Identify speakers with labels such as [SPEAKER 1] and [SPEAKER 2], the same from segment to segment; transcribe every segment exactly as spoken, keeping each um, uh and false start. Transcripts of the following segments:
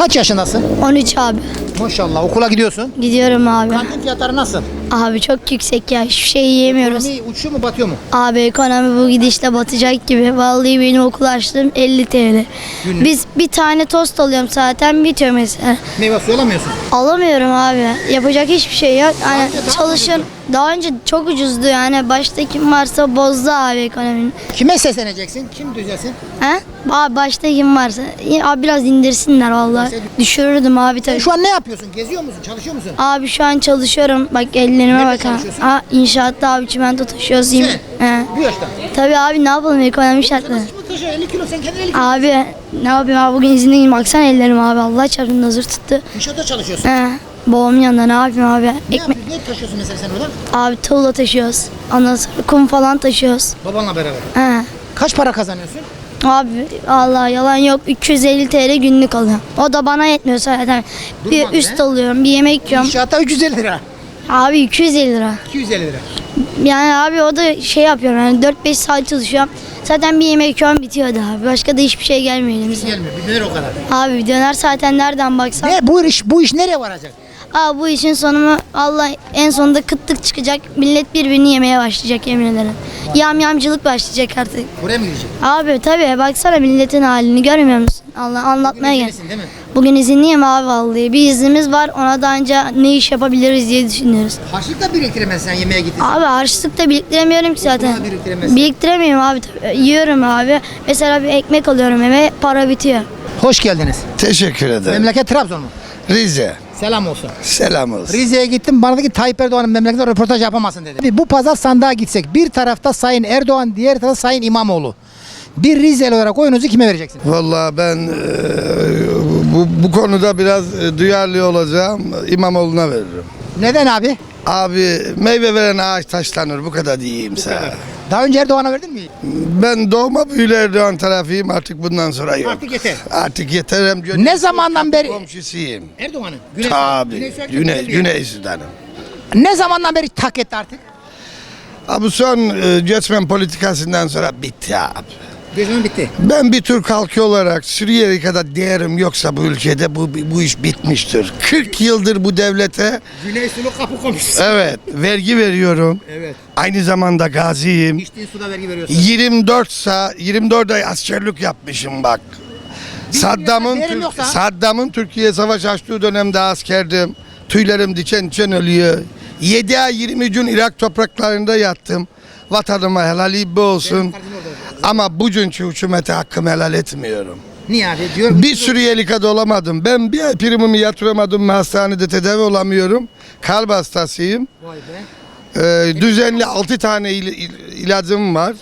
[SPEAKER 1] Kaç yaşındasın?
[SPEAKER 2] on üç abi.
[SPEAKER 1] Maşallah, okula gidiyorsun.
[SPEAKER 2] Gidiyorum abi.
[SPEAKER 1] Kantin fiyatları nasıl?
[SPEAKER 2] Abi çok yüksek ya. Hiçbir şey yiyemiyoruz.
[SPEAKER 1] Ekonomi uçuyor mu, batıyor mu?
[SPEAKER 2] Abi ekonomi bu gidişle batacak gibi. Vallahi benim okul açtım elli TL.
[SPEAKER 1] Günlük.
[SPEAKER 2] Biz bir tane tost alıyorum zaten bitiyor mesela.
[SPEAKER 1] Meyve suyu alamıyorsun.
[SPEAKER 2] Alamıyorum abi. Yapacak hiçbir şey yok. Yani
[SPEAKER 1] önce daha
[SPEAKER 2] çalışın.
[SPEAKER 1] ucuzdu.
[SPEAKER 2] Daha önce çok ucuzdu yani. Başta kim varsa bozdu abi ekonominin.
[SPEAKER 1] Kime sesleneceksin? Kim düzelsin?
[SPEAKER 2] He? Abi başta kim varsa. Abi biraz indirsinler vallahi. Düşürürdüm abi tabii.
[SPEAKER 1] Şu an ne yapıyorsun? Geziyor musun? Çalışıyor musun?
[SPEAKER 2] Abi şu an çalışıyorum. Bak ellerime
[SPEAKER 1] Nerede
[SPEAKER 2] bak ha.
[SPEAKER 1] çalışıyorsun?
[SPEAKER 2] Aa, inşaatta abi çimento taşıyoruz.
[SPEAKER 1] Sen?
[SPEAKER 2] He.
[SPEAKER 1] Bu yaşta.
[SPEAKER 2] Tabii abi ne yapalım ekonomi şartları.
[SPEAKER 1] Nasıl mı taşıyor? elli kilo, sen kendin elli kilo.
[SPEAKER 2] Abi ne yapayım abi bugün izinliyim. Baksana ellerim abi Allah çarpın hazır tuttu.
[SPEAKER 1] İnşaatta çalışıyorsun.
[SPEAKER 2] He. Babamın yanında ne yapayım abi.
[SPEAKER 1] Ne
[SPEAKER 2] Ekmek.
[SPEAKER 1] yapıyorsun? Ne taşıyorsun mesela sen orada?
[SPEAKER 2] Abi tuğla taşıyoruz. Ondan sonra kum falan taşıyoruz.
[SPEAKER 1] Babanla beraber.
[SPEAKER 2] He.
[SPEAKER 1] Kaç para kazanıyorsun?
[SPEAKER 2] Abi Allah yalan yok üç yüz elli TL günlük alıyorum. O da bana yetmiyor zaten. Bir
[SPEAKER 1] Durmaz
[SPEAKER 2] üst
[SPEAKER 1] be.
[SPEAKER 2] alıyorum, bir yemek yiyorum.
[SPEAKER 1] İnşaatta üç yüz elli lira.
[SPEAKER 2] Abi iki yüz elli lira.
[SPEAKER 1] iki yüz elli lira.
[SPEAKER 2] Yani abi o da şey yapıyorum yani dört beş saat çalışıyorum. Zaten bir yemek yiyorum bitiyor da abi. Başka da hiçbir şey gelmiyor elimize.
[SPEAKER 1] Gelmiyor. Bir döner o kadar.
[SPEAKER 2] Abi bir döner zaten nereden baksan.
[SPEAKER 1] Ne bu iş? Bu iş nereye varacak?
[SPEAKER 2] Abi bu işin sonu Allah en sonunda kıtlık çıkacak. Millet birbirini yemeye başlayacak yemin ederim. Yamyamcılık başlayacak artık.
[SPEAKER 1] Buraya mı gidecek?
[SPEAKER 2] Abi tabii baksana milletin halini görmüyor musun? Allah anlatmaya gel.
[SPEAKER 1] Bugün değil mi?
[SPEAKER 2] Bugün izinliyim abi vallahi. Bir iznimiz var ona da anca ne iş yapabiliriz diye düşünüyoruz.
[SPEAKER 1] Harçlık da biriktiremezsin sen yemeğe gittin.
[SPEAKER 2] Abi harçlık da biriktiremiyorum ki zaten.
[SPEAKER 1] da biriktiremezsin.
[SPEAKER 2] Biriktiremiyorum abi. tabii. Yiyorum abi. Mesela bir ekmek alıyorum eve para bitiyor.
[SPEAKER 1] Hoş geldiniz.
[SPEAKER 3] Teşekkür ederim.
[SPEAKER 1] Memleket Trabzon mu?
[SPEAKER 3] Rize.
[SPEAKER 1] Selam olsun.
[SPEAKER 3] Selam olsun.
[SPEAKER 1] Rize'ye gittim, bana dedi ki Tayyip Erdoğan'ın memleketinde röportaj yapamazsın dedi. Bu pazar sandığa gitsek bir tarafta Sayın Erdoğan, diğer tarafta Sayın İmamoğlu. Bir Rizeli olarak oyunuzu kime vereceksiniz?
[SPEAKER 3] Vallahi ben e, bu, bu konuda biraz e, duyarlı olacağım. İmamoğlu'na veririm.
[SPEAKER 1] Neden abi?
[SPEAKER 3] Abi meyve veren ağaç taşlanır. Bu kadar diyeyim sana.
[SPEAKER 1] Daha önce Erdoğan'a verdin mi?
[SPEAKER 3] Ben doğma büyülü Erdoğan tarafıyım. Artık bundan sonra yok.
[SPEAKER 1] Artık yeter.
[SPEAKER 3] Artık yeter. Hem Güney-
[SPEAKER 1] Ne zamandan beri-
[SPEAKER 3] komşusuyum.
[SPEAKER 1] Erdoğan'ın. Güney,
[SPEAKER 3] Tabii.
[SPEAKER 1] Sudan
[SPEAKER 3] Güney,
[SPEAKER 1] geliyor.
[SPEAKER 3] Güney Sudan'ım.
[SPEAKER 1] Ne zamandan beri tak etti artık?
[SPEAKER 3] Abi son e, göçmen politikasından sonra bitti abi.
[SPEAKER 1] Gözümün bitti.
[SPEAKER 3] Ben bir Türk halkı olarak Suriyeli kadar değerim yoksa bu ülkede bu bu iş bitmiştir. kırk yıldır bu devlete
[SPEAKER 1] Güney Sulu kapı komşusu.
[SPEAKER 3] evet vergi veriyorum.
[SPEAKER 1] Evet.
[SPEAKER 3] Aynı zamanda gaziyim.
[SPEAKER 1] İçtiğin suda vergi veriyorsun.
[SPEAKER 3] yirmi dört sa yirmi dört ay askerlik yapmışım bak. Saddam'ın
[SPEAKER 1] değerim
[SPEAKER 3] Türk-
[SPEAKER 1] yoksa?
[SPEAKER 3] Saddam'ın Türkiye savaş açtığı dönemde askerdim. Tüylerim diken diken ölüyor. yedi ay yirmi gün Irak topraklarında yattım. Vatanıma helali olsun. Ama bugünkü hükümete hakkımı helal etmiyorum.
[SPEAKER 1] Niye abi? Diyor
[SPEAKER 3] Bir Suriyeli kadar olamadım. Ben bir ay primimi yatıramadım. Hastanede tedavi olamıyorum. Kalp hastasıyım.
[SPEAKER 1] Vay be.
[SPEAKER 3] Ee, düzenli altı tane il- il- ilacım var.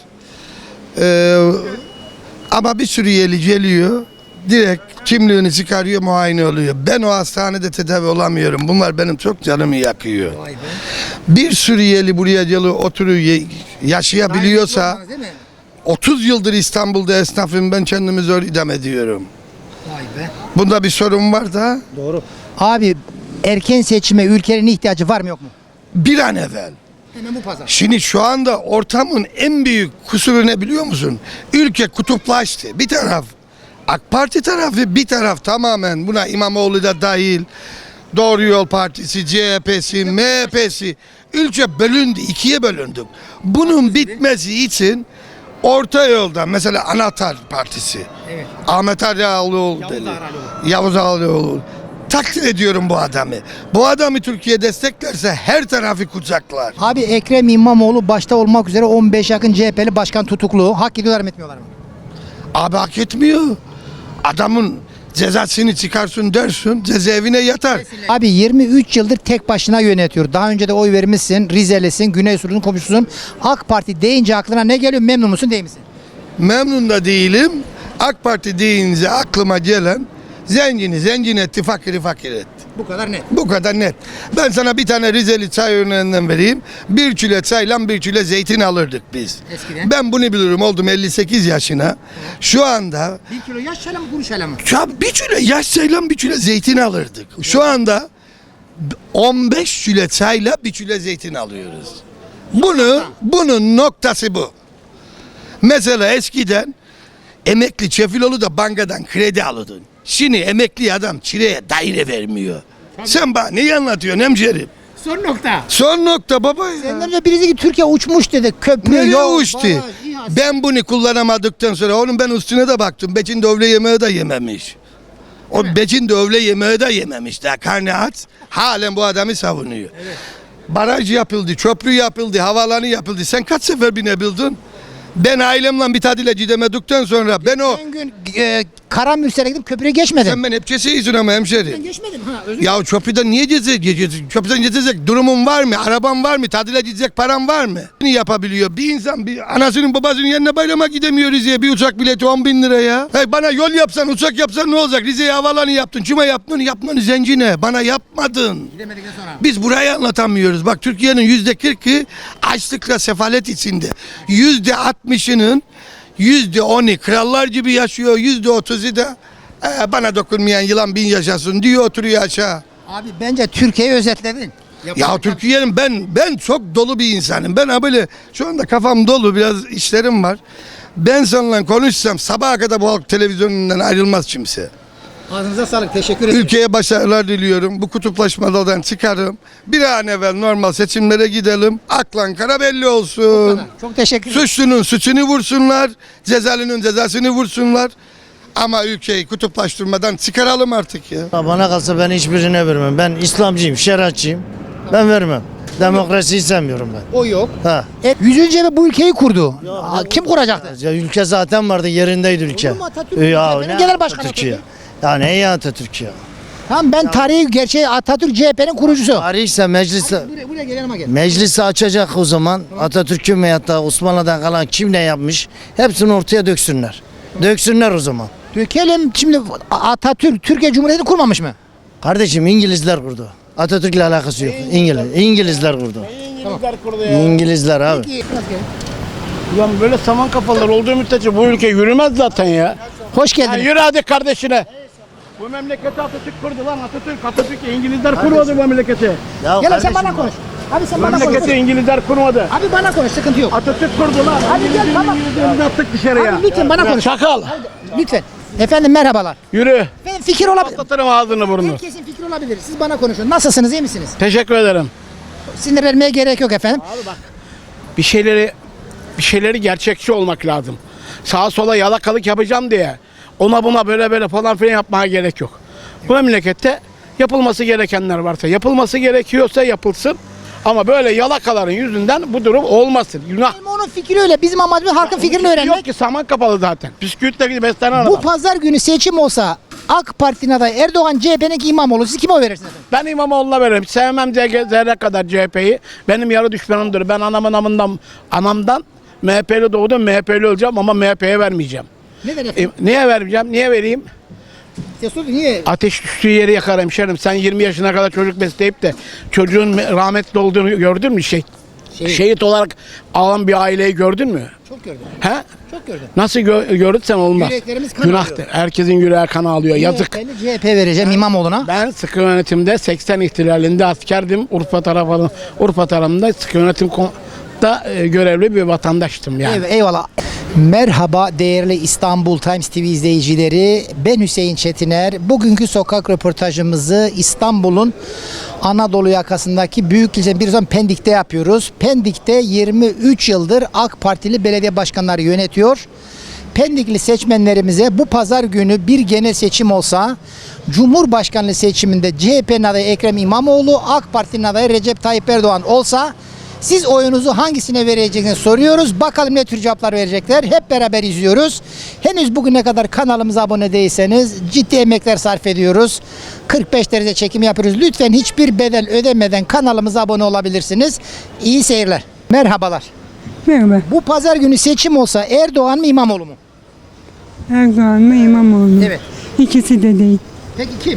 [SPEAKER 3] Ee, ama bir Suriyeli geliyor. Direkt kimliğini çıkarıyor, muayene oluyor. Ben o hastanede tedavi olamıyorum. Bunlar benim çok canımı yakıyor.
[SPEAKER 1] Vay be.
[SPEAKER 3] Bir Suriyeli buraya geliyor, oturuyor, ye- yaşayabiliyorsa
[SPEAKER 1] Değil mi?
[SPEAKER 3] otuz yıldır İstanbul'da esnafım, ben kendimi zor idam ediyorum.
[SPEAKER 1] Vay be.
[SPEAKER 3] Bunda bir sorun var da
[SPEAKER 1] Doğru. Abi erken seçime ülkenin ihtiyacı var mı yok mu?
[SPEAKER 3] bir an evvel.
[SPEAKER 1] Hemen bu pazar.
[SPEAKER 3] Şimdi şu anda ortamın en büyük kusuru ne biliyor musun? Ülke kutuplaştı. Bir taraf AK Parti tarafı, bir taraf tamamen buna İmamoğlu da dahil. Doğru Yol Partisi, C H P'si, M H P'si. Ülke bölündü, ikiye bölündük. Bunun bitmesi için orta yolda mesela Anahtar Partisi.
[SPEAKER 1] Evet.
[SPEAKER 3] Ahmet Ali Ağaoğlu
[SPEAKER 1] Yavuz
[SPEAKER 3] dedi.
[SPEAKER 1] Ağaoğlu.
[SPEAKER 3] Yavuz Ağaoğlu. Takdir ediyorum bu adamı. Bu adamı Türkiye desteklerse her tarafı kucaklar.
[SPEAKER 1] Abi Ekrem İmamoğlu başta olmak üzere on beş yakın C H P'li başkan tutuklu. Hak ediyorlar mı etmiyorlar mı?
[SPEAKER 3] Abi hak etmiyor. Adamın cezasını çıkarsın dersin, cezaevine yatar.
[SPEAKER 1] Abi yirmi üç yıldır tek başına yönetiyor. Daha önce de oy vermişsin. Rizelisin, Güney Sulu'nun komşusun. AK Parti deyince aklına ne geliyor? Memnun musun değil misin?
[SPEAKER 3] Memnun da değilim. AK Parti deyince aklıma gelen zengini zengin etti, fakiri fakir etti.
[SPEAKER 1] Bu kadar net.
[SPEAKER 3] Bu kadar net. Ben sana bir tane Rizeli çay örneğinden vereyim. Bir kilo çayla bir kilo zeytin alırdık biz.
[SPEAKER 1] Eskiden?
[SPEAKER 3] Ben bunu bilirim, oldum elli sekiz yaşına. Şu anda
[SPEAKER 1] Bir kilo yaş çayla mı kuru çayla mı?
[SPEAKER 3] ya bir kilo yaş çayla bir kilo zeytin alırdık. Şu anda on beş kilo çayla bir kilo zeytin alıyoruz. Bunu, bunun noktası bu. Mesela eskiden emekli Çefiloğlu da bankadan kredi alırdın. Şimdi emekli adam çileye daire vermiyor. Sen bana neyi anlatıyorsun hemşerim?
[SPEAKER 1] Son nokta.
[SPEAKER 3] Son nokta baba ya.
[SPEAKER 1] Senden önce birisi ki Türkiye uçmuş dedi. Köprü,
[SPEAKER 3] Nereye
[SPEAKER 1] yol,
[SPEAKER 3] uçtu?
[SPEAKER 1] baraj, İHA.
[SPEAKER 3] Ben bunu kullanamadıktan sonra onun ben üstüne de baktım. Becin de öğle yemeği de yememiş. O Becin de öğle yemeği de yememiş. Daha karnı aç. Halen bu adamı savunuyor. Baraj yapıldı, köprü yapıldı, havaalanı yapıldı. Sen kaç sefer binebildin? Ben ailemle bir tatile gidemedikten sonra ben o...
[SPEAKER 1] Ben gün e, Karamürsel'e gidip köprüyü geçmedim.
[SPEAKER 3] Sen ben hep ceseyisin ama hemşerim.
[SPEAKER 1] Ben geçmedim. Ha, özür
[SPEAKER 3] Ya köprüden niye gezecek? Köprüden gezecek durumun var mı? Araban var mı? Tatile gidecek paran var mı? Ne yapabiliyor? Bir insan bir anasının babasının yanına bayrama gidemiyor Rize'ye. Bir uçak bileti on bin lira ya. Hey, bana yol yapsan uçak yapsan ne olacak? Rize'ye havaalanı yaptın. Kime yaptın? Yapmanı zencine. Bana yapmadın.
[SPEAKER 1] Gidemedikten sonra.
[SPEAKER 3] Biz burayı anlatamıyoruz. Bak Türkiye'nin yüzde kırkı açlıkla sefalet içinde. Yüzde altmışının yüzde onu krallar gibi yaşıyor. Yüzde otuzu da "Ee, bana dokunmayan yılan bin yaşasın" diyor, oturuyor aşağı.
[SPEAKER 1] Abi bence Türkiye'yi özetledin.
[SPEAKER 3] Ya Türkiye'nin ben ben çok dolu bir insanım. Ben ha böyle şu anda kafam dolu, biraz işlerim var. Ben seninle konuşsam sabaha kadar bu halk televizyonundan ayrılmaz kimse.
[SPEAKER 1] Ağzınıza sağlık. Teşekkür ederim.
[SPEAKER 3] Ülkeye başarılar diliyorum. Bu kutuplaşmadan çıkarım. Bir an evvel normal seçimlere gidelim. Aklan kara belli olsun.
[SPEAKER 1] Çok teşekkür ederim.
[SPEAKER 3] Suçlunun suçunu vursunlar. Cezalının cezasını vursunlar. Ama ülkeyi kutuplaştırmadan çıkaralım artık ya.
[SPEAKER 4] Bana kalsa ben hiçbirine vermem. Ben İslamcıyım, şeriatçıyım. Ben vermem. Demokrasiyi sevmiyorum ben.
[SPEAKER 1] O yok.
[SPEAKER 4] Ha.
[SPEAKER 1] E, yüzüncü eve bu ülkeyi kurdu. Aa, kim kuracaktı?
[SPEAKER 4] Ya ülke zaten vardı, yerindeydi ülke.
[SPEAKER 1] Olur mu? Atatürk
[SPEAKER 4] Ya
[SPEAKER 1] ülkenin
[SPEAKER 4] ne
[SPEAKER 1] genel başkanı
[SPEAKER 4] Atatürk ya?
[SPEAKER 1] peki?
[SPEAKER 4] Ya ne ya Atatürk ya?
[SPEAKER 1] Tamam, ben tarihi gerçeği Atatürk C H P'nin kurucusu.
[SPEAKER 4] Tarihse meclise
[SPEAKER 1] Buraya, buraya gel yanıma gel.
[SPEAKER 4] meclisi açacak o zaman. Atatürk'ün veyahut da Osmanlı'dan kalan kim ne yapmış? Hepsini ortaya döksünler. Döksünler o zaman.
[SPEAKER 1] Dökelim şimdi. Atatürk Türkiye Cumhuriyeti kurmamış mı?
[SPEAKER 4] Kardeşim İngilizler kurdu. Atatürk'le alakası yok. İngiliz, İngilizler kurdu.
[SPEAKER 5] İngilizler kurdu ya.
[SPEAKER 4] İngilizler abi.
[SPEAKER 1] Peki,
[SPEAKER 5] Ulan böyle saman kafalar olduğu müddetçe bu ülke yürümez zaten ya.
[SPEAKER 1] hoş
[SPEAKER 5] Ya
[SPEAKER 1] geldiniz.
[SPEAKER 5] yürü hadi kardeşine. Bu memleketi Atatürk kurdu lan Atatürk. Atatürk İngilizler kurmadı bu memleketi.
[SPEAKER 4] Ya
[SPEAKER 1] Gel sen
[SPEAKER 4] kardeşim
[SPEAKER 1] bana
[SPEAKER 4] bak.
[SPEAKER 1] konuş. Abi sen
[SPEAKER 5] Bu
[SPEAKER 1] bana konuş.
[SPEAKER 5] memleketi İngilizler kurmadı.
[SPEAKER 1] Abi bana konuş, sıkıntı yok.
[SPEAKER 5] Atatürk kurdu lan.
[SPEAKER 1] Hadi gel,
[SPEAKER 5] İngilizlerin
[SPEAKER 1] tamam.
[SPEAKER 5] İngilizlerini attık dışarıya.
[SPEAKER 1] Abi lütfen bana
[SPEAKER 5] Ya
[SPEAKER 1] konuş.
[SPEAKER 5] Çakal.
[SPEAKER 1] Lütfen. Efendim merhabalar.
[SPEAKER 5] Yürü.
[SPEAKER 1] Efendim fikir olabilir.
[SPEAKER 5] Patlatırım ağzını burnunu.
[SPEAKER 1] Herkesin fikri olabilir. Siz bana konuşun. Nasılsınız, iyi misiniz?
[SPEAKER 5] Teşekkür ederim.
[SPEAKER 1] Sinir vermeye gerek yok efendim.
[SPEAKER 5] Bir şeyleri bir şeyleri gerçekçi olmak lazım. Sağa sola yalakalık yapacağım diye ona buna böyle böyle falan filan yapmaya gerek yok. Bu memlekette yapılması gerekenler varsa yapılması gerekiyorsa yapılsın. Ama böyle yalakaların yüzünden bu durum olmasın. Günah.
[SPEAKER 1] Benim onun fikri öyle. Bizim amacımız halkın fikrini
[SPEAKER 5] Yok
[SPEAKER 1] öğrenmek.
[SPEAKER 5] ki saman kapalı zaten. Bisküvitle gibi beslenen
[SPEAKER 1] Bu
[SPEAKER 5] adam.
[SPEAKER 1] pazar günü seçim olsa AK Parti'nin adayı Erdoğan, C H P'nin İmamoğlu. Siz kime oy verirsiniz efendim?
[SPEAKER 5] Ben İmamoğlu'na veririm. Sevmem zerre kadar C H P'yi. Benim yarı düşmanımdır. Ben anamın amından, anamdan M H P'li doğdum. M H P'li olacağım ama M H P'ye vermeyeceğim.
[SPEAKER 1] Neden
[SPEAKER 5] E,
[SPEAKER 1] efendim?
[SPEAKER 5] niye vermeyeceğim? Niye vereyim?
[SPEAKER 1] Size sordum, niye?
[SPEAKER 5] Ateş düştüğü yeri yakar hemşerim. Sen yirmi yaşına kadar çocuk besleyip de çocuğun rahmetli olduğunu gördün mü? Şey,
[SPEAKER 1] Şehit.
[SPEAKER 5] şehit olarak alan bir aileyi gördün mü?
[SPEAKER 1] Çok gördüm.
[SPEAKER 5] He?
[SPEAKER 1] Çok gördüm.
[SPEAKER 5] Nasıl gö- gördün olmaz.
[SPEAKER 1] Yüreklerimiz kan
[SPEAKER 5] Günahtır.
[SPEAKER 1] alıyor.
[SPEAKER 5] Herkesin yüreği kan alıyor. Yazık.
[SPEAKER 1] Ben de C H P vereceğim İmamoğlu'na.
[SPEAKER 5] Ben sıkı yönetimde seksen ihtilalinde askerdim. Urfa tarafı Urfa tarafında sıkı yönetim kon- da e, görevli bir vatandaştım yani.
[SPEAKER 1] Ey- Eyvallah. Merhaba değerli İstanbul Times T V izleyicileri. Ben Hüseyin Çetiner. Bugünkü sokak röportajımızı İstanbul'un Anadolu yakasındaki büyük ilçe bir zaman Pendik'te yapıyoruz. Pendik'te yirmi üç yıldır AK Partili belediye başkanları yönetiyor. Pendikli seçmenlerimize bu pazar günü bir genel seçim olsa Cumhurbaşkanlığı seçiminde C H P'nin adayı Ekrem İmamoğlu, AK Parti'nin adayı Recep Tayyip Erdoğan olsa siz oyunuzu hangisine vereceğinizi soruyoruz. Bakalım ne tür cevaplar verecekler. Hep beraber izliyoruz. Henüz bugüne kadar kanalımıza abone değilseniz ciddi emekler sarf ediyoruz. kırk beş derece çekim yapıyoruz. Lütfen hiçbir bedel ödemeden kanalımıza abone olabilirsiniz. İyi seyirler. Merhabalar.
[SPEAKER 6] Merhaba.
[SPEAKER 1] Bu pazar günü seçim olsa Erdoğan mı İmamoğlu mu?
[SPEAKER 6] Erdoğan mı İmamoğlu mu?
[SPEAKER 1] Evet.
[SPEAKER 6] İkisi de değil.
[SPEAKER 1] Peki kim?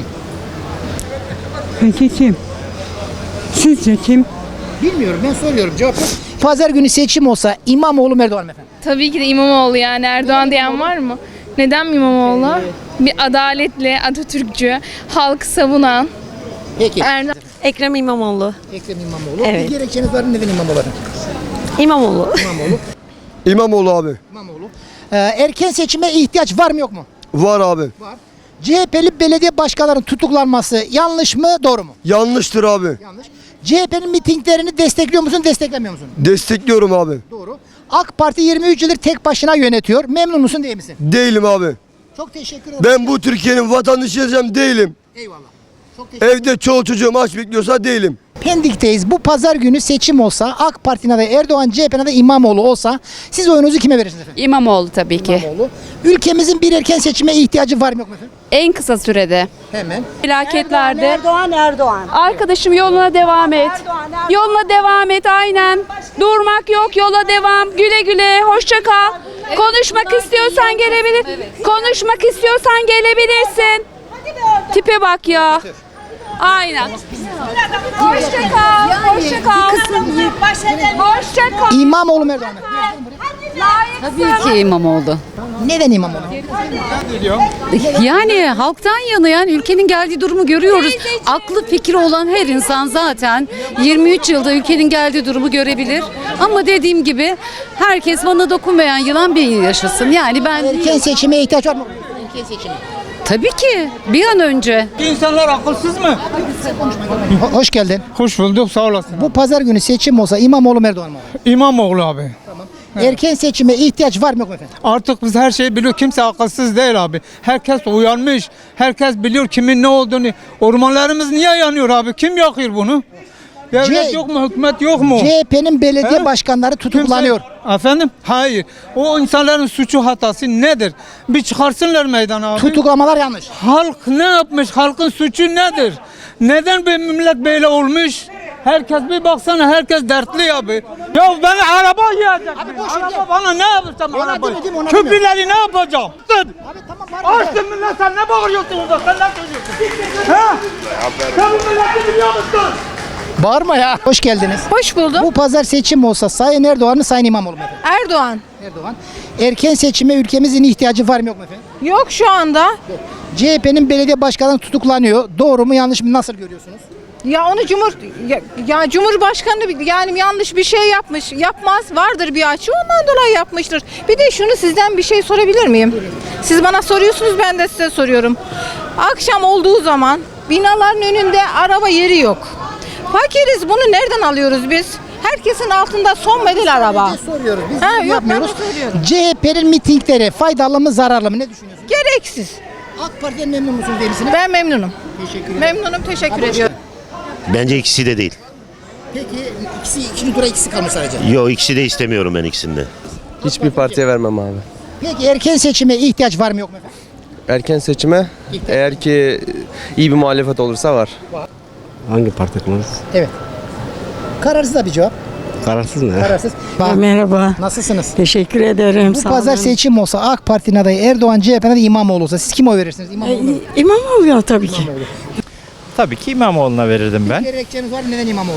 [SPEAKER 6] Peki kim? Sizce kim?
[SPEAKER 1] Bilmiyorum, ben soruyorum, cevap yok. Pazar günü seçim olsa İmamoğlu mu Erdoğan mı efendim?
[SPEAKER 7] Tabii ki de İmamoğlu, yani Erdoğan diyen var mı? Neden İmamoğlu? Bir adaletli, Atatürkçü, halkı savunan.
[SPEAKER 1] Peki.
[SPEAKER 7] Erdoğan.
[SPEAKER 8] Ekrem İmamoğlu.
[SPEAKER 1] Ekrem İmamoğlu.
[SPEAKER 8] Evet.
[SPEAKER 1] Bir gerekçeniz var mı, neden İmamoğlu efendim?
[SPEAKER 8] İmamoğlu.
[SPEAKER 1] İmamoğlu.
[SPEAKER 9] İmamoğlu abi.
[SPEAKER 1] İmamoğlu. Ee, erken seçime ihtiyaç var mı yok mu?
[SPEAKER 9] Var abi.
[SPEAKER 1] Var. C H P'li belediye başkanlarının tutuklanması yanlış mı, doğru mu?
[SPEAKER 9] Yanlıştır abi.
[SPEAKER 1] Yanlış. C H P'nin mitinglerini destekliyor musun, desteklemiyor musun?
[SPEAKER 9] Destekliyorum abi.
[SPEAKER 1] Doğru. AK Parti yirmi üç yıldır tek başına yönetiyor. Memnun musun, değil misin?
[SPEAKER 9] Değilim abi.
[SPEAKER 1] Çok teşekkür ederim.
[SPEAKER 9] Ben bu Türkiye'nin vatandaşıyım, değilim.
[SPEAKER 1] Eyvallah. Çok teşekkür ederim.
[SPEAKER 9] Evde çoğu çocuğum aç bekliyorsa değilim.
[SPEAKER 1] Pendik'teyiz. Bu pazar günü seçim olsa, AK Parti'nin adayı Erdoğan, C H P'nin adayı İmamoğlu olsa siz oyunuzu kime verirsiniz efendim?
[SPEAKER 10] İmamoğlu tabii ki.
[SPEAKER 1] İmamoğlu. Ülkemizin bir erken seçime ihtiyacı var mı, yok mu efendim?
[SPEAKER 10] En kısa sürede.
[SPEAKER 1] Hemen.
[SPEAKER 10] Felaketlerde.
[SPEAKER 8] Erdoğan Erdoğan.
[SPEAKER 10] Arkadaşım yoluna devam et. Yoluna devam et aynen. Durmak yok, yola devam. Güle güle, hoşça kal. Konuşmak istiyorsan gelebilir. Konuşmak istiyorsan gelebilirsin. Tipe bak ya. Aynen. Hoşça kal. Hoşça kal. Hoşça kal.
[SPEAKER 1] İmamoğlu mu, Erdoğan mı?
[SPEAKER 10] Tabii ki İmamoğlu.
[SPEAKER 1] Neden İmamoğlu?
[SPEAKER 10] Yani halktan yana, yani ülkenin geldiği durumu görüyoruz. Aklı fikri olan her insan zaten yirmi üç yılda ülkenin geldiği durumu görebilir. Ama dediğim gibi herkes bana dokunmayan yılan bir yaşasın. Yani ben
[SPEAKER 1] Erken seçime ihtiyaç var mı? Erken seçime.
[SPEAKER 10] tabii ki bir an önce.
[SPEAKER 11] İnsanlar akılsız mı?
[SPEAKER 1] Ho- Hoş geldin.
[SPEAKER 11] Hoş bulduk, sağ olasın.
[SPEAKER 1] Bu pazar günü seçim olsa İmamoğlu mu, Erdoğan mı?
[SPEAKER 11] İmamoğlu abi.
[SPEAKER 1] Erken seçime ihtiyaç var mı, yok mu efendim?
[SPEAKER 11] Artık biz her şeyi biliyor. Kimse akılsız değil abi. Herkes uyanmış. Herkes biliyor kimin ne olduğunu. Ormanlarımız niye yanıyor abi? Kim yakıyor bunu? Devlet
[SPEAKER 1] C-
[SPEAKER 11] yok mu? Hükümet yok mu?
[SPEAKER 1] C H P'nin belediye
[SPEAKER 11] He?
[SPEAKER 1] başkanları tutuklanıyor.
[SPEAKER 11] Kimse- Efendim? Hayır. O insanların suçu hatası nedir? Bir çıkarsınlar meydana abi.
[SPEAKER 1] Tutuklamalar yanlış.
[SPEAKER 11] Halk ne yapmış? Halkın suçu nedir? Neden bir millet böyle olmuş? Herkes bir baksana, herkes dertli abi. Ya ben araba yiyecek.
[SPEAKER 1] Abi boş
[SPEAKER 11] Araba
[SPEAKER 1] ver.
[SPEAKER 11] bana ne yapacağım
[SPEAKER 1] Ona
[SPEAKER 11] arabayı?
[SPEAKER 1] demedim, ona
[SPEAKER 11] Köprüleri ne yapacağım? Dur.
[SPEAKER 1] Abi tamam var mı?
[SPEAKER 11] Açtın millet, sen ne bağırıyorsun orada? Sen ne söylüyorsun? Ha? Sen bu milleti biliyor musun?
[SPEAKER 1] Bağırma ya. Hoş geldiniz.
[SPEAKER 8] Hoş buldum.
[SPEAKER 1] Bu pazar seçim olsa Sayın Erdoğan mı, Sayın İmamoğlu mu efendim?
[SPEAKER 8] Erdoğan.
[SPEAKER 1] Erdoğan. Erken seçime ülkemizin ihtiyacı var mı, yok mu efendim?
[SPEAKER 8] Yok şu anda.
[SPEAKER 1] C H P'nin belediye başkanı tutuklanıyor. Doğru mu, yanlış mı, nasıl görüyorsunuz?
[SPEAKER 8] Ya onu Cumhur ya, ya Cumhurbaşkanı yani yanlış bir şey yapmış. Yapmaz. Vardır bir açı. Ondan dolayı yapmıştır. Bir de şunu sizden bir şey sorabilir miyim? Siz bana soruyorsunuz, ben de size soruyorum. Akşam olduğu zaman binaların önünde araba yeri yok. Fakiriz. Bunu nereden alıyoruz biz? Herkesin altında son model araba.
[SPEAKER 1] Biz soruyoruz. Biz
[SPEAKER 8] Ha, yok, ben
[SPEAKER 1] yapmıyoruz.
[SPEAKER 8] de soruyorum.
[SPEAKER 1] C H P'nin mitingleri faydalı mı, zararlı mı? Ne düşünüyorsunuz?
[SPEAKER 8] Gereksiz.
[SPEAKER 1] AK Parti'den memnun musunuz, değil misiniz?
[SPEAKER 8] Ben memnunum.
[SPEAKER 1] Teşekkür ederim.
[SPEAKER 8] Memnunum. Teşekkür ediyorum.
[SPEAKER 12] Bence ikisi de değil.
[SPEAKER 1] Peki ikisi, ikinci tura ikisi kalmış sadece.
[SPEAKER 12] Yok, ikisi de istemiyorum ben ikisini de.
[SPEAKER 9] Hiçbir partiye vermem abi.
[SPEAKER 1] Peki erken seçime ihtiyaç var mı, yok mu efendim?
[SPEAKER 9] Erken seçime eğer ki iyi bir muhalefet olursa var.
[SPEAKER 12] Hangi parti kullanırız?
[SPEAKER 1] Evet. Kararsız da bir cevap.
[SPEAKER 12] Kararsız ne?
[SPEAKER 1] Kararsız. Bak,
[SPEAKER 6] Merhaba.
[SPEAKER 1] nasılsınız?
[SPEAKER 6] Teşekkür ederim.
[SPEAKER 1] Bu pazar seçim olsa AK Parti'nin adayı Erdoğan, C H P'nin adayı İmamoğlu olsa siz kime oy verirsiniz? İmamoğlu mu?
[SPEAKER 6] İmamoğlu ya tabii ki.
[SPEAKER 13] Tabii ki İmamoğlu'na verirdim ben.
[SPEAKER 1] Gerekçeniz var mı? Neden İmamoğlu?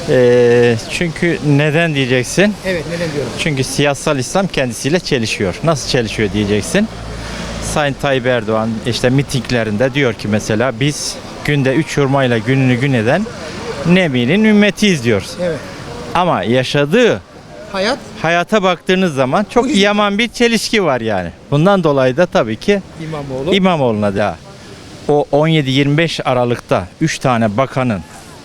[SPEAKER 13] Ee, çünkü neden diyeceksin?
[SPEAKER 1] Evet, neden diyorum.
[SPEAKER 13] Çünkü siyasal İslam kendisiyle çelişiyor. Nasıl çelişiyor diyeceksin. Sayın Tayyip Erdoğan işte mitinglerinde diyor ki mesela biz günde üç hurmayla gününü gün eden Nebi'nin ümmetiyiz diyoruz.
[SPEAKER 1] Evet.
[SPEAKER 13] Ama yaşadığı
[SPEAKER 1] Hayat
[SPEAKER 13] hayata baktığınız zaman çok yaman bir çelişki var yani. Bundan dolayı da tabii ki
[SPEAKER 1] İmamoğlu.
[SPEAKER 13] İmamoğlu'na da o on yedi yirmi beş Aralık'ta üç tane bakanın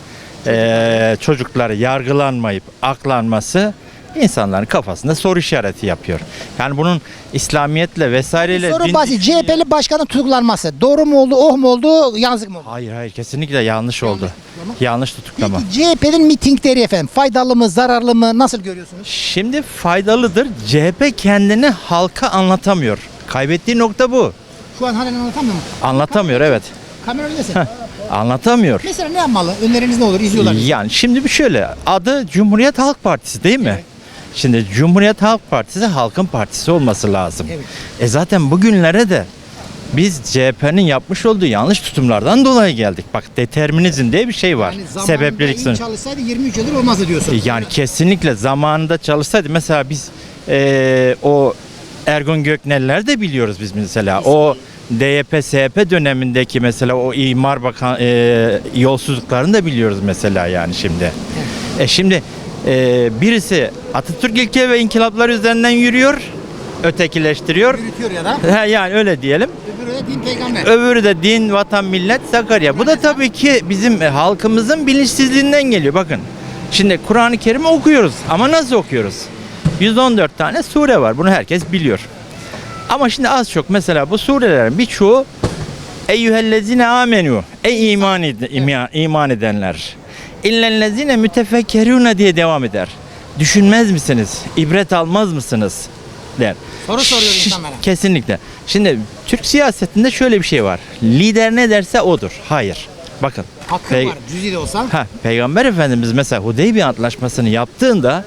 [SPEAKER 13] eee çocukları yargılanmayıp aklanması insanların kafasında soru işareti yapıyor. Yani bunun İslamiyetle vesaireyle
[SPEAKER 1] Soru
[SPEAKER 13] din
[SPEAKER 1] basit. C H
[SPEAKER 13] düşünce-
[SPEAKER 1] P'li başkanın tutuklanması. Doğru mu oldu, oh mu oldu, yazık mı oldu?
[SPEAKER 13] Hayır hayır kesinlikle yanlış oldu. Yanlış tutuklama.
[SPEAKER 1] Peki C H P'nin mitingleri efendim faydalı mı, zararlı mı, nasıl görüyorsunuz?
[SPEAKER 13] Şimdi faydalıdır. C H P kendini halka anlatamıyor. Kaybettiği nokta bu.
[SPEAKER 1] Şu an halen anlatamıyor mu?
[SPEAKER 13] Anlatamıyor evet.
[SPEAKER 1] Kamera önündesin.
[SPEAKER 13] Anlatamıyor.
[SPEAKER 1] Mesela ne yapmalı? Öneriniz ne olur? İzliyorlar. bizi.
[SPEAKER 13] Yani şimdi bir şöyle adı Cumhuriyet Halk Partisi değil mi? Şimdi Cumhuriyet Halk Partisi halkın partisi olması lazım.
[SPEAKER 1] Evet.
[SPEAKER 13] E zaten bugünlere de biz C H P'nin yapmış olduğu yanlış tutumlardan dolayı geldik. Bak determinizm diye bir şey var.
[SPEAKER 1] Yani zamanında
[SPEAKER 13] Sebeplilik
[SPEAKER 1] iyi
[SPEAKER 13] sınırı.
[SPEAKER 1] çalışsaydı yirmi üç yıldır olmazdı diyorsun.
[SPEAKER 13] Yani kesinlikle zamanında çalışsaydı mesela biz eee, o Ergun Göknel'ler de biliyoruz biz mesela. O D Y P S H P dönemindeki mesela o imar bakan eee, yolsuzluklarını da biliyoruz mesela yani şimdi. E şimdi eee, birisi Atatürk ilke ve inkılaplar üzerinden yürüyor. ötekileştiriyor.
[SPEAKER 1] Yürütüyor ya da.
[SPEAKER 13] He, yani öyle diyelim.
[SPEAKER 1] Öbürü de din peygamber.
[SPEAKER 13] Öbürü de din, vatan, millet, Sakarya. Bu da tabii ki bizim e, halkımızın bilinçsizliğinden geliyor. Bakın. Şimdi Kur'an-ı Kerim'i okuyoruz ama nasıl okuyoruz? yüz on dört tane sure var. Bunu herkes biliyor. Ama şimdi az çok mesela bu surelerin birçoğu eyyühellezine amenu. Ey iman, ed- iman edenler. İllellezine mütefekkerune diye devam eder. Düşünmez misiniz? İbret almaz mısınız? Der.
[SPEAKER 1] Soru soruyor
[SPEAKER 13] Şş,
[SPEAKER 1] insanlara.
[SPEAKER 13] Kesinlikle. Şimdi Türk siyasetinde şöyle bir şey var. Lider ne derse odur. Hayır. Bakın.
[SPEAKER 1] Hakkı
[SPEAKER 13] Pey-
[SPEAKER 1] var cüzi de olsa.
[SPEAKER 13] Ha, Peygamber Efendimiz mesela Hudeybiye Antlaşması'nı yaptığında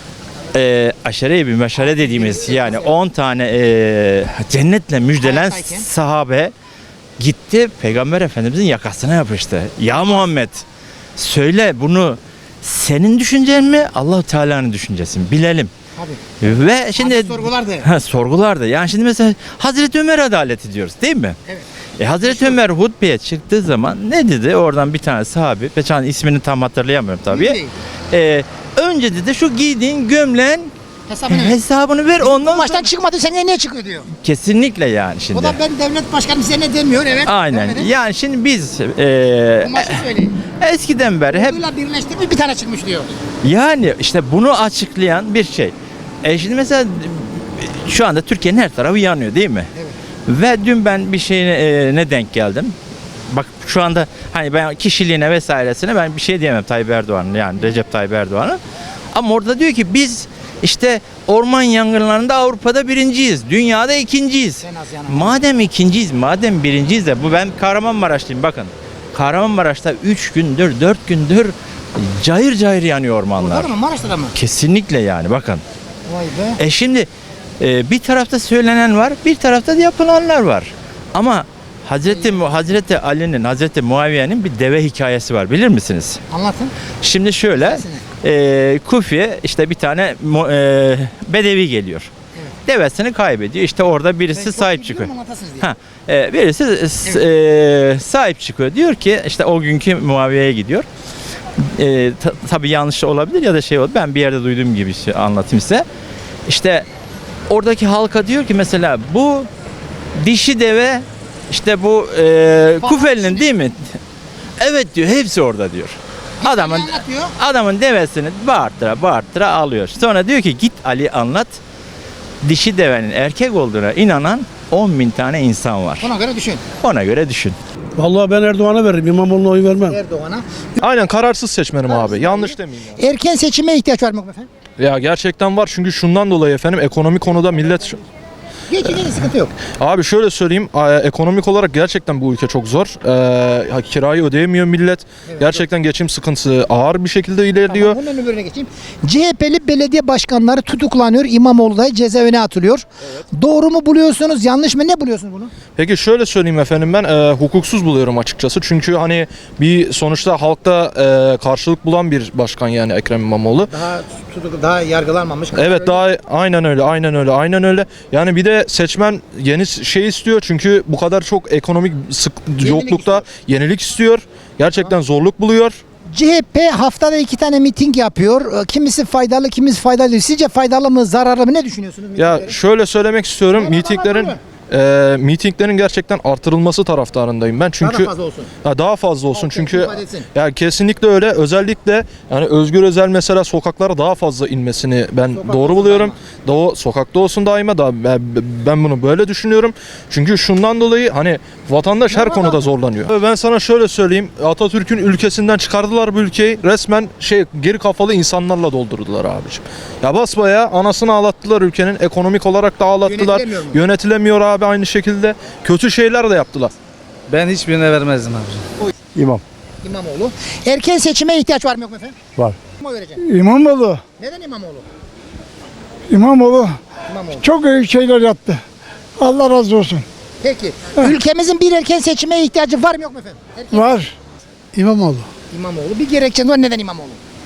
[SPEAKER 13] e, aşere-i bir meşare dediğimiz yani on tane e, cennetle müjdelen
[SPEAKER 1] Hayattayken.
[SPEAKER 13] sahabe gitti Peygamber Efendimizin yakasına yapıştı. Ya Muhammed söyle bunu senin düşüncen mi Allah-u Teala'nın düşüncesi mi? Bilelim.
[SPEAKER 1] Tabii.
[SPEAKER 13] Ve şimdi
[SPEAKER 1] Abi sorgulardı.
[SPEAKER 13] Ha, sorgulardı. Yani şimdi mesela Hazreti Ömer adaleti diyoruz değil mi?
[SPEAKER 1] Evet.
[SPEAKER 13] E, Hazreti Ömer hutbeye çıktığı zaman ne dedi? Oradan bir tane sahabi, ben ismini tam hatırlayamıyorum tabii.
[SPEAKER 1] Değil.
[SPEAKER 13] E, önce dedi şu giydiğin gömleğin
[SPEAKER 1] Hesabını ver.
[SPEAKER 13] hesabını ver ondan
[SPEAKER 1] Maçtan
[SPEAKER 13] sonra.
[SPEAKER 1] çıkmadı sen niye çıkıyor diyor.
[SPEAKER 13] Kesinlikle yani şimdi.
[SPEAKER 1] O da ben devlet başkanım size ne demiyor evet.
[SPEAKER 13] Aynen.
[SPEAKER 1] Demedi.
[SPEAKER 13] Yani şimdi biz e,
[SPEAKER 1] Bu maçı söyleyin.
[SPEAKER 13] eskiden beri hep
[SPEAKER 1] Orduyla birleştirmiş bir tane çıkmış diyor.
[SPEAKER 13] yani işte bunu açıklayan bir şey. E şimdi mesela şu anda Türkiye'nin her tarafı yanıyor değil mi?
[SPEAKER 1] Evet.
[SPEAKER 13] Ve dün ben bir şeyine e, ne denk geldim. Bak şu anda hani ben kişiliğine vesairesine ben bir şey diyemem Tayyip Erdoğan'ın yani Recep Tayyip Erdoğan'ın. Ama orada diyor ki biz işte orman yangınlarında Avrupa'da birinciyiz. Dünyada ikinciyiz.
[SPEAKER 1] En az yanan.
[SPEAKER 13] Madem ikinciyiz, madem birinciyiz de bu ben Kahramanmaraşlıyım bakın. Kahramanmaraş'ta üç gündür, dört gündür cayır cayır yanıyor ormanlar.
[SPEAKER 1] Orada mı Maraş'ta da mı?
[SPEAKER 13] Kesinlikle yani bakın.
[SPEAKER 1] Vay be.
[SPEAKER 13] E şimdi e, bir tarafta söylenen var, bir tarafta da yapılanlar var. Ama Hazreti Mu- Hazreti Ali'nin, Hazreti Muaviye'nin bir deve hikayesi var bilir misiniz?
[SPEAKER 1] Anlatın.
[SPEAKER 13] Şimdi şöyle, e, Kufi'ye işte bir tane mu- e, bedevi geliyor. Devesini kaybediyor. İşte orada birisi sahip çıkıyor. Ha, e, birisi s- e, sahip çıkıyor. Diyor ki işte o günkü Muaviye'ye gidiyor. E, ta- tabii yanlış olabilir ya da şey oldu. Ben bir yerde duyduğum gibi şey anlatayım size. İşte oradaki halka diyor ki mesela bu dişi deve işte bu e, Kufeli'nin değil mi? Evet diyor. Hepsi orada diyor. Adamın
[SPEAKER 1] anlatıyor.
[SPEAKER 13] adamın devesini bağırtıra bağırtıra alıyor. Sonra diyor ki git Ali anlat. Dişi devenin erkek olduğuna inanan on bin tane insan var.
[SPEAKER 1] Ona göre düşün.
[SPEAKER 13] Ona göre düşün.
[SPEAKER 14] Vallahi ben Erdoğan'a veririm. İmamoğlu'na oy vermem.
[SPEAKER 1] Erdoğan'a.
[SPEAKER 14] Aynen kararsız seçmenim abi. Yanlış demeyeyim.
[SPEAKER 1] Erken seçime ihtiyaç var mı efendim?
[SPEAKER 14] Ya gerçekten var çünkü şundan dolayı efendim ekonomi konuda millet...
[SPEAKER 1] Geçici de sıkıntı yok.
[SPEAKER 14] Abi şöyle söyleyeyim e, ekonomik olarak gerçekten bu ülke çok zor. E, kirayı ödeyemiyor millet. Gerçekten geçim sıkıntısı ağır bir şekilde ilerliyor.
[SPEAKER 1] Tamam, bunun öbürüne geçeyim. C H P'li belediye başkanları tutuklanıyor. İmamoğlu da cezaevine atılıyor. Doğru mu buluyorsunuz? Yanlış mı? Ne buluyorsunuz bunu?
[SPEAKER 14] Peki şöyle söyleyeyim efendim ben e, hukuksuz buluyorum açıkçası. Çünkü hani bir sonuçta halkta e, karşılık bulan bir başkan yani Ekrem İmamoğlu.
[SPEAKER 1] Daha tutuk, daha yargılanmamış.
[SPEAKER 14] Evet daha aynen öyle aynen öyle aynen öyle. Yani bir de seçmen yeni şey istiyor çünkü bu kadar çok ekonomik sık yoklukta yenilik istiyor. Gerçekten zorluk buluyor.
[SPEAKER 1] C H P haftada iki tane miting yapıyor. Kimisi faydalı, kimisi faydalı değil. Sizce faydalı mı, zararlı mı? Ne düşünüyorsunuz?
[SPEAKER 14] Ya
[SPEAKER 1] mitingleri?
[SPEAKER 14] şöyle söylemek istiyorum. Mitinglerin e, mitinglerin gerçekten artırılması taraftarındayım ben. Çünkü
[SPEAKER 1] Daha da fazla olsun.
[SPEAKER 14] Ya daha fazla olsun
[SPEAKER 1] Halk
[SPEAKER 14] çünkü
[SPEAKER 1] ifade etsin.
[SPEAKER 14] ya kesinlikle öyle. Özellikle yani Özgür Özel mesela sokaklara daha fazla inmesini ben
[SPEAKER 1] Sokakta
[SPEAKER 14] doğru
[SPEAKER 1] olsun
[SPEAKER 14] buluyorum. Doğu sokakta olsun daima da ben, ben bunu böyle düşünüyorum. Çünkü şundan dolayı hani vatandaş her konuda zorlanıyor. Ben sana şöyle söyleyeyim. Atatürk'ün ülkesinden çıkardılar bu ülkeyi. Resmen şey geri kafalı insanlarla doldurdular abiciğim. Ya basbayağı anasını ağlattılar ülkenin. Ekonomik olarak da ağlattılar.
[SPEAKER 1] Yönetilemiyor mu?
[SPEAKER 14] Yönetilemiyor abi aynı şekilde. Kötü şeyler de yaptılar.
[SPEAKER 12] Ben hiçbirine vermezdim abi.
[SPEAKER 14] İmam.
[SPEAKER 1] İmamoğlu. Erken seçime ihtiyaç var mı yok mu efendim?
[SPEAKER 14] Var.
[SPEAKER 1] Kim oy vereceksin?
[SPEAKER 11] İmamoğlu.
[SPEAKER 1] Neden İmamoğlu?
[SPEAKER 11] İmamoğlu
[SPEAKER 1] İmamoğlu.
[SPEAKER 11] çok iyi şeyler yaptı. Allah razı olsun.
[SPEAKER 1] Peki. Ülkemizin bir erken seçime ihtiyacı var mı yok mu efendim? Erken
[SPEAKER 11] Var. İmamoğlu.
[SPEAKER 1] İmamoğlu. Bir gerekçeniz var. Neden İmamoğlu?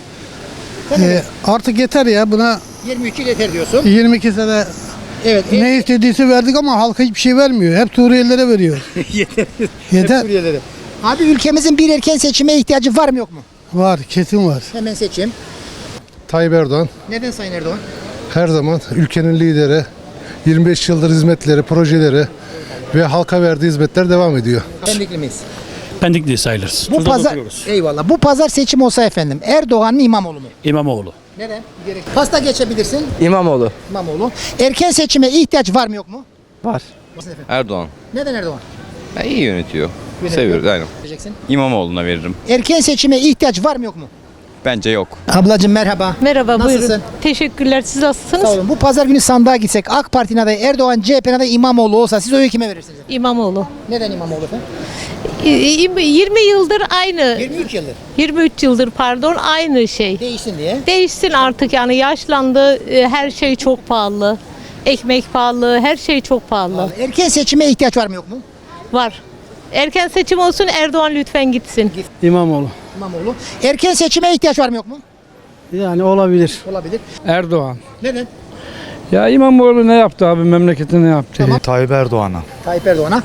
[SPEAKER 1] Sen ne diyorsun?
[SPEAKER 11] Artık yeter ya buna
[SPEAKER 1] yirmi üç yıl yeter diyorsun.
[SPEAKER 11] yirmi iki sene
[SPEAKER 1] Evet.
[SPEAKER 11] ne istediyse verdik ama halka hiçbir şey vermiyor. Hep Suriyelilere veriyor.
[SPEAKER 1] yeter.
[SPEAKER 11] Yeter.
[SPEAKER 1] Suriyelilere. Abi ülkemizin bir erken seçime ihtiyacı var mı yok mu?
[SPEAKER 11] Var, kesin var.
[SPEAKER 1] Hemen seçeyim.
[SPEAKER 3] Tayyip Erdoğan
[SPEAKER 1] Neden Sayın Erdoğan?
[SPEAKER 3] her zaman ülkenin lideri,
[SPEAKER 15] yirmi beş yıldır hizmetleri, projeleri ve halka verdiği hizmetler devam ediyor.
[SPEAKER 1] Pendikli miyiz?
[SPEAKER 16] Pendikli sayılırız.
[SPEAKER 1] Bu pazar, eyvallah. Bu pazar seçim olsa efendim Erdoğan mı İmamoğlu mu?
[SPEAKER 16] İmamoğlu.
[SPEAKER 1] Neden? Gerek. Pasta geçebilirsin.
[SPEAKER 9] İmamoğlu.
[SPEAKER 1] İmamoğlu. Erken seçime ihtiyaç var mı yok mu?
[SPEAKER 9] Var. Erdoğan.
[SPEAKER 1] Neden Erdoğan?
[SPEAKER 9] iyi yönetiyor.
[SPEAKER 1] Yönetiyor.
[SPEAKER 9] Seviyoruz aynen.
[SPEAKER 1] Vereceksin.
[SPEAKER 9] İmamoğlu'na veririm.
[SPEAKER 1] Erken seçime ihtiyaç var mı yok mu?
[SPEAKER 9] Bence yok.
[SPEAKER 1] Ablacığım merhaba.
[SPEAKER 8] Merhaba
[SPEAKER 1] Nasılsın?
[SPEAKER 8] buyurun. Teşekkürler. Siz nasılsınız?
[SPEAKER 1] Sağ olun. Bu pazar günü sandığa gitsek AK Parti'nin adayı Erdoğan, C H P'nin adayı İmamoğlu olsa siz oyu kime verirsiniz?
[SPEAKER 8] İmamoğlu.
[SPEAKER 1] Neden İmamoğlu efendim?
[SPEAKER 8] yirmi yıldır aynı.
[SPEAKER 1] yirmi üç yıldır.
[SPEAKER 8] yirmi üç yıldır pardon aynı şey.
[SPEAKER 1] Değişsin diye.
[SPEAKER 8] Değişsin artık yani yaşlandı. e, Her şey çok pahalı. Ekmek pahalı, her şey çok pahalı.
[SPEAKER 1] Erken seçime ihtiyaç var mı yok mu?
[SPEAKER 8] Var. Erken seçim olsun Erdoğan lütfen gitsin.
[SPEAKER 16] İmamoğlu.
[SPEAKER 1] İmamoğlu. Erken seçime ihtiyaç var mı yok mu?
[SPEAKER 16] Yani olabilir.
[SPEAKER 1] Olabilir.
[SPEAKER 16] Erdoğan.
[SPEAKER 1] Neden?
[SPEAKER 16] Ya İmamoğlu ne yaptı abi, memlekete ne yaptı?
[SPEAKER 1] Tamam.
[SPEAKER 12] Tayyip Erdoğan'a.
[SPEAKER 1] Tayyip Erdoğan'a.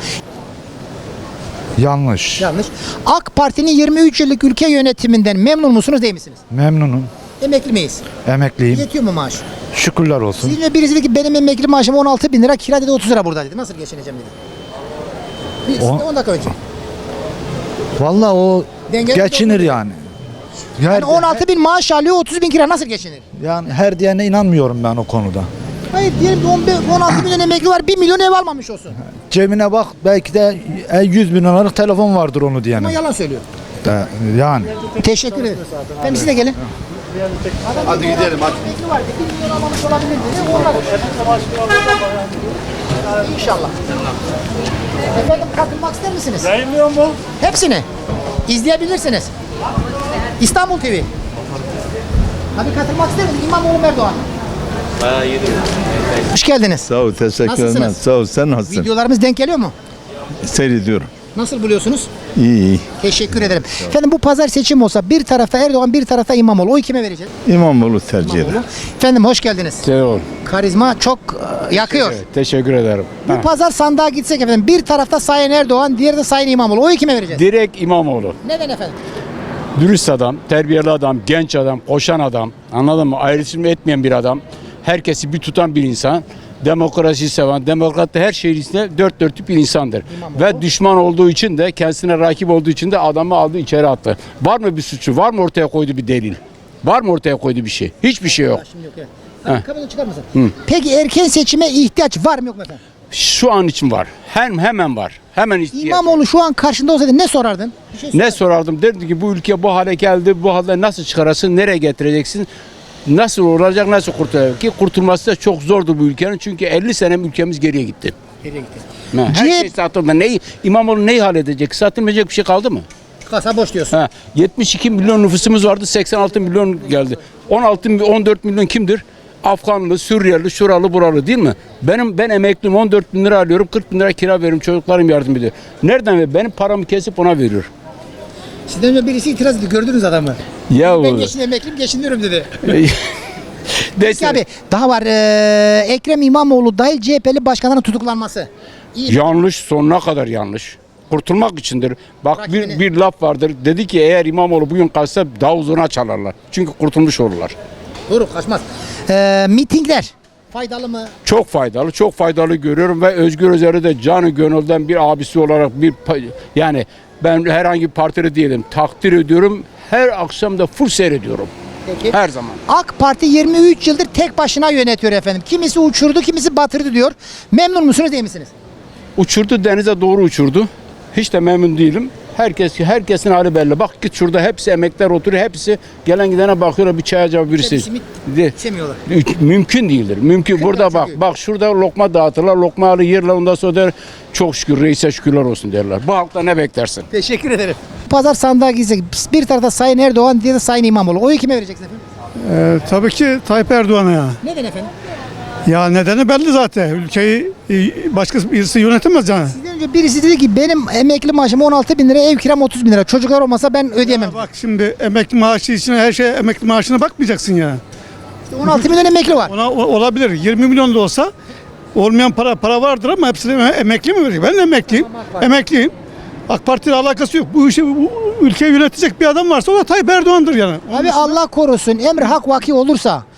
[SPEAKER 12] Yanlış.
[SPEAKER 1] Yanlış. AK Parti'nin yirmi üç yıllık ülke yönetiminden memnun musunuz değil misiniz?
[SPEAKER 12] Memnunum.
[SPEAKER 1] Emekli miyiz?
[SPEAKER 12] Emekliyim.
[SPEAKER 1] Yetiyor mu maaş?
[SPEAKER 12] Şükürler olsun.
[SPEAKER 1] Sizinle birisi dedi ki benim emekli maaşım on altı bin lira, kira dedi otuz lira burada dedi. Nasıl geçineceğim dedi. Bir,
[SPEAKER 12] On-
[SPEAKER 1] on dakika önce.
[SPEAKER 12] Vallahi o
[SPEAKER 1] Dengeli
[SPEAKER 12] geçinir
[SPEAKER 1] doğru.
[SPEAKER 12] yani. Her,
[SPEAKER 1] Yani on altı bin maaş alıyor, otuz bin kira nasıl geçinir?
[SPEAKER 12] yani her diyene inanmıyorum ben o konuda.
[SPEAKER 1] Hayır diyelim ki on beş, on altı milyon emekli var, bir milyon ev almamış olsun.
[SPEAKER 12] Cebine bak, belki de yüz bin liralık telefon vardır onu diyenin.
[SPEAKER 1] Ama yalan söylüyor.
[SPEAKER 12] De- yani.
[SPEAKER 1] Teşekkür ederim. Efendim siz de gelin.
[SPEAKER 3] Hadi gidelim hadi.
[SPEAKER 1] Emekli var, bir milyon almamış olabilir dedi. Onlar. İnşallah. Efendim katılmak ister misiniz?
[SPEAKER 16] Yayınlıyor mu?
[SPEAKER 1] Hepsini izleyebilirsiniz. İstanbul T V. Hadi katılmak ister misiniz? İmamoğlu mu, Erdoğan. Hoş geldiniz.
[SPEAKER 17] Sağ ol, teşekkür
[SPEAKER 1] Nasılsınız?
[SPEAKER 17] ederim. Sağ ol, sen nasılsın?
[SPEAKER 1] Videolarımız denk geliyor mu?
[SPEAKER 17] Seyrediyorum.
[SPEAKER 1] Nasıl buluyorsunuz?
[SPEAKER 17] İyi iyi.
[SPEAKER 1] Teşekkür ederim. Efendim bu pazar seçim olsa bir tarafta Erdoğan, bir tarafta İmamoğlu. Oy kime vereceğiz?
[SPEAKER 17] İmamoğlu tercih eder.
[SPEAKER 1] İmamoğlu. Efendim hoş geldiniz.
[SPEAKER 16] Sağ ol.
[SPEAKER 1] Karizma çok e, yakıyor.
[SPEAKER 16] Teşekkür ederim.
[SPEAKER 1] Bu pazar sandığa gitsek efendim bir tarafta Sayın Erdoğan, diğeri de Sayın İmamoğlu. Oyu kime vereceğiz?
[SPEAKER 16] Direkt İmamoğlu.
[SPEAKER 1] Neden efendim?
[SPEAKER 16] Dürüst adam, terbiyeli adam, genç adam, koşan adam. Anladın mı? Ayrışım etmeyen bir adam. Herkesi bir tutan bir insan. Demokrasi seven, demokrat da her şeyinde dört dörtlük bir insandır.
[SPEAKER 1] İmamoğlu.
[SPEAKER 16] Ve düşman olduğu için de, kendisine rakip olduğu için de adamı aldı içeri attı. Var mı bir suçu? Var mı ortaya koyduğu bir delil? Var mı ortaya koyduğu bir şey? Hiçbir şey yok.
[SPEAKER 1] Şimdi yok, evet.
[SPEAKER 16] Heh.
[SPEAKER 1] Hadi kamerayı çıkar mısın?
[SPEAKER 16] Hı.
[SPEAKER 1] Peki erken seçime ihtiyaç var mı yok mu efendim?
[SPEAKER 16] Şu an için var. Hem hemen var. Hemen ihtiyaç.
[SPEAKER 1] İmamoğlu şu an karşında olsaydı ne sorardın? Bir şey
[SPEAKER 16] Ne sorardım? Derdim ki bu ülke bu hale geldi. Bu halde nasıl çıkarasın? Nereye getireceksin? Nasıl olacak? Nasıl kurtulacak? Ki kurtulması da çok zordur bu ülkenin. Çünkü elli sene ülkemiz geriye gitti.
[SPEAKER 1] Nereye gitti?
[SPEAKER 16] Ha, Her
[SPEAKER 1] C H P
[SPEAKER 16] şey satıldı. Neyi, İmamoğlu neyi halledecek? Satılmayacak bir şey kaldı mı?
[SPEAKER 1] Kasa boş diyorsun.
[SPEAKER 16] Ha, yetmiş iki milyon nüfusumuz vardı. seksen altı milyon geldi. on altı on dört milyon kimdir? Afganlı, Suriyeli, şuralı, buralı değil mi? Benim ben emekliyim, on dört bin lira alıyorum, kırk bin lira kira veriyorum, çocuklarım yardım ediyor. Nereden ver? Benim paramı kesip ona veriyor.
[SPEAKER 1] Sizden önce birisi itiraz etti. Gördünüz adamı.
[SPEAKER 16] Ya
[SPEAKER 1] Ben geçin emekliyim, geçiniyorum dedi. Peki
[SPEAKER 16] Neyse.
[SPEAKER 1] abi daha var. Ee, Ekrem İmamoğlu dahil C H P'li başkanların tutuklanması. İyi.
[SPEAKER 16] Yanlış, sonuna kadar yanlış. Kurtulmak içindir. Bak
[SPEAKER 1] Rakibini-
[SPEAKER 16] bir, bir laf vardır. Dedi ki eğer İmamoğlu bugün kalsa daha uzuna çalarlar. Çünkü kurtulmuş olurlar.
[SPEAKER 1] Doğru, kaçmaz. Ee, mitingler faydalı mı?
[SPEAKER 16] Çok faydalı, çok faydalı görüyorum ve Özgür Özel'i de canı gönülden bir abisi olarak bir pa- yani ben herhangi bir partili değilim. Takdir ediyorum. Her akşam da full seyrediyorum.
[SPEAKER 1] Peki.
[SPEAKER 16] Her zaman.
[SPEAKER 1] AK Parti yirmi üç yıldır tek başına yönetiyor efendim. Kimisi uçurdu, kimisi batırdı diyor. Memnun musunuz değil misiniz?
[SPEAKER 16] Uçurdu, denize doğru uçurdu. Hiç de memnun değilim. Herkes herkesin hali belli. Bak git şurada hepsi emekler oturuyor. Hepsi gelen gidene bakıyorlar bir çay acaba birisi.
[SPEAKER 1] Hepsi mi-
[SPEAKER 16] De-
[SPEAKER 1] İçemiyorlar.
[SPEAKER 16] Mümkün değildir. Mümkün. Burada bak
[SPEAKER 1] çünkü.
[SPEAKER 16] bak şurada lokma dağıtırlar. Lokma alır yerler ondan sonra der çok şükür reise şükürler olsun derler. Bu halkta ne beklersin?
[SPEAKER 1] Teşekkür ederim. Pazar sandığa gitsek bir tarafta Sayın Erdoğan, diğeri de Sayın İmamoğlu. Oyu kime vereceksiniz efendim?
[SPEAKER 11] Ee, tabii ki Tayyip Erdoğan'a ya.
[SPEAKER 1] Neden efendim?
[SPEAKER 11] Ya nedeni belli zaten. Ülkeyi e, başka birisi yönetemez yani.
[SPEAKER 1] Sizden önce birisi dedi ki benim emekli maaşım on altı bin lira, ev kiram otuz bin lira. Çocuklar olmasa ben ödeyemem.
[SPEAKER 11] Ya bak şimdi emekli maaşı için her şey emekli maaşına bakmayacaksın ya.
[SPEAKER 1] İşte on altı milyon emekli var.
[SPEAKER 11] Ona o- olabilir. yirmi milyon da olsa olmayan para para vardır ama hepsini emekli mi verecek? Ben de emekliyim. Emekliyim. AK Parti'yle alakası yok. Bu işi bu ülkeyi yönetecek bir adam varsa o da Tayyip Erdoğan'dır yani.
[SPEAKER 1] Abi Allah korusun emri hak vaki olursa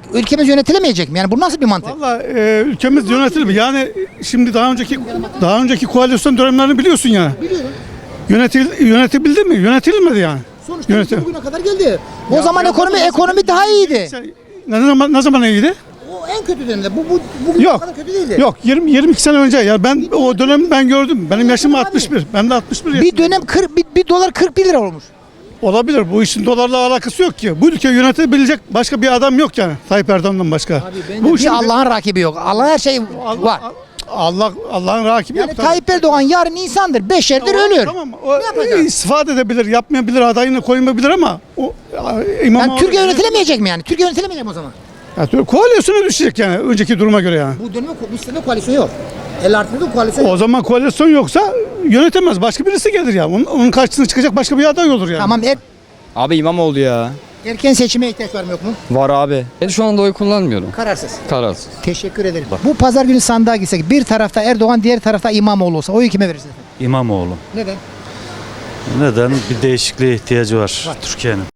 [SPEAKER 1] ülkemiz yönetilemeyecek mi? Yani bu nasıl bir mantık?
[SPEAKER 18] Valla e, ülkemiz yönetilir mi? Yani şimdi daha önceki daha önceki koalisyon dönemlerini biliyorsun yani.
[SPEAKER 1] Biliyorum.
[SPEAKER 18] Yönetil, yönetebildi mi? Yönetilmedi yani.
[SPEAKER 1] Sonuçta
[SPEAKER 18] Yönetim.
[SPEAKER 1] bugüne kadar geldi. O zaman ekonomi ekonomi daha iyiydi.
[SPEAKER 18] Ne zaman ne zaman iyiydi?
[SPEAKER 1] O en kötü dönemde. Bu bu bugün
[SPEAKER 18] Yok.
[SPEAKER 1] o kadar kötü değildi.
[SPEAKER 18] Yok yirmi yirmi iki sene önce ya ben o dönemi ben gördüm. Benim yaşım altmış bir. Ben de altmış bir yaşındayım.
[SPEAKER 1] Bir dönem kırk bir, bir dolar kırk bir lira olmuş.
[SPEAKER 18] Olabilir. Bu işin dolarla alakası yok ki. Bu ülkeyi yönetebilecek başka bir adam yok yani. Tayyip Erdoğan'dan başka.
[SPEAKER 1] Bu
[SPEAKER 18] işin-
[SPEAKER 1] bir Allah'ın rakibi yok. Allah her şey var.
[SPEAKER 18] Allah Allah'ın rakibi
[SPEAKER 1] Yani
[SPEAKER 18] yok. tabii.
[SPEAKER 1] Tayyip Erdoğan yarın insandır. Beşerdir
[SPEAKER 18] Tamam,
[SPEAKER 1] ölür.
[SPEAKER 18] Tamam. O, istifade edebilir, yapmayabilir, adayını koymayabilir ama o İmamoğlu...
[SPEAKER 1] Yani Türkiye yönetilemeyecek mi yani? Türkiye yönetilemeyecek mi o zaman?
[SPEAKER 18] Ya, Türkiye koalisyona düşecek yani önceki duruma göre yani.
[SPEAKER 1] Bu döneme bu sene koalisyon yok. elli artı bir koalisyon
[SPEAKER 18] O
[SPEAKER 1] yok.
[SPEAKER 18] zaman koalisyon yoksa yönetemez. Başka birisi gelir ya. Onun, onun karşısına çıkacak başka bir aday olur yani.
[SPEAKER 1] Tamam er,
[SPEAKER 9] Abi İmamoğlu ya.
[SPEAKER 1] erken seçime ihtiyaç var mı yok mu?
[SPEAKER 9] Var abi. Ben şu anda oy kullanmıyorum.
[SPEAKER 1] Kararsız.
[SPEAKER 9] Kararsız.
[SPEAKER 1] Teşekkür ederim. Bu pazar günü sandığa gitsek bir tarafta Erdoğan diğer tarafta İmamoğlu olsa oyu kime verirsiniz?
[SPEAKER 19] İmamoğlu.
[SPEAKER 1] Neden?
[SPEAKER 19] Neden? Bir değişikliğe ihtiyacı var Türkiye'nin.